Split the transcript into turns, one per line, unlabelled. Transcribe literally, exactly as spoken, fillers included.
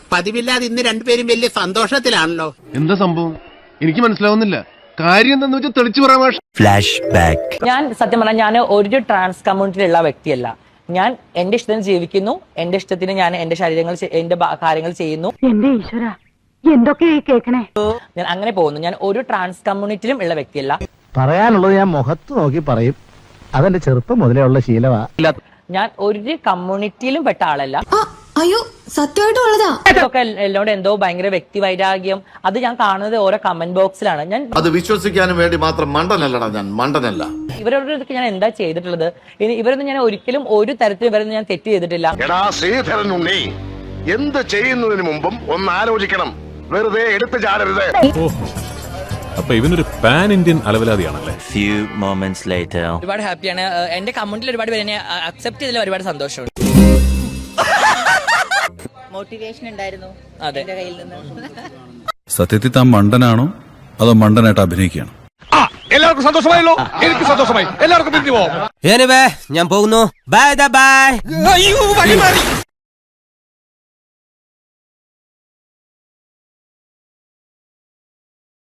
പതിവില്ലാതെ ഇന്ന് രണ്ടുപേരും വലിയ സന്തോഷത്തിലാണല്ലോ.
എന്താ സംഭവം എനിക്ക് മനസ്സിലാവുന്നില്ല. കാര്യം എന്താന്ന് വെച്ചാൽ തെളിച്ചു പറയാൻ. Flash back.
ഞാൻ സത്യം പറഞ്ഞാൽ ഞാൻ ഒരു ട്രാൻസ് കമ്മ്യൂണിറ്റിയിലുള്ള വ്യക്തിയല്ല. ഞാൻ എന്റെ ഇഷ്ടത്തിന് ജീവിക്കുന്നു, എന്റെ ഇഷ്ടത്തിന് ഞാൻ എന്റെ ശരീരങ്ങൾ എന്റെ കാര്യങ്ങൾ ചെയ്യുന്നു.
എന്റെ ഈശ്വര എന്തൊക്കെയായി കേക്കണേ.
ഞാൻ അങ്ങനെ പോകുന്നു. ഞാൻ ഒരു ട്രാൻസ് കമ്മ്യൂണിറ്റിയിലും ഉള്ള വ്യക്തിയല്ല.
പറയാനുള്ളത് ഞാൻ മുഖത്ത് നോക്കി പറയും. അതെന്റെ ചെറുപ്പം മുതലേ ഉള്ള ശീലമാ.
ഞാൻ ഒരു കമ്മ്യൂണിറ്റിയിലും പെട്ട ആളല്ല.
അയ്യോ സത്യമായിട്ടും ഉള്ളതാ.
ഇതൊക്കെ എന്നോട് എന്തോ ഭയങ്കര വ്യക്തി വൈരാഗ്യം അത് ഞാൻ കാണുന്നത് ഓരോ കമന്റ് ബോക്സിലാണ്. ഞാൻ
അത് വിശ്വസിക്കാനും വേണ്ടി മാത്രം മണ്ടനല്ലടാ ഞാൻ, മണ്ടനല്ല.
ഇവരോടൊക്കെ ഞാൻ എന്താ ചെയ്തിട്ടുള്ളത്? ഇനി ഇവരൊന്നും ഞാൻ ഒരിക്കലും ഒരു തരത്തിൽ ഇവരൊന്നും ഞാൻ തെറ്റ് ചെയ്തിട്ടില്ല.
എന്ത് ചെയ്യുന്നതിന് മുമ്പും ഒന്ന് ആലോചിക്കണം. വെറുതെ എടുത്തു ചാടരുത്.
അപ്പൊ ഇവനൊരു പാൻ ഇന്ത്യൻ അലവലാതിയാണല്ലേ.
Few moments later.
ഒരുപാട് ഹാപ്പിയാണ്. എന്റെ കമന്റിൽ ഒരുപാട് പേര് എന്നെ അക്സെപ്റ്റ് ചെയ്തതിൽ ഒരുപാട് സന്തോഷമുണ്ട്. മോട്ടിവേഷൻ ഉണ്ടായിരുന്നു എന്റെ കയ്യിൽ നിന്ന്.
സത്യത്തിൽ താൻ മണ്ടനാണോ അതോ മണ്ടനായിട്ട് അഭിനയിക്കുകയാണോ?
എല്ലാവർക്കും സന്തോഷമായല്ലോ. എനിക്ക് സന്തോഷമായി. എല്ലാവർക്കും പിരിഞ്ഞു പോവാം.
ഞാൻ പോകുന്നു. Bye by.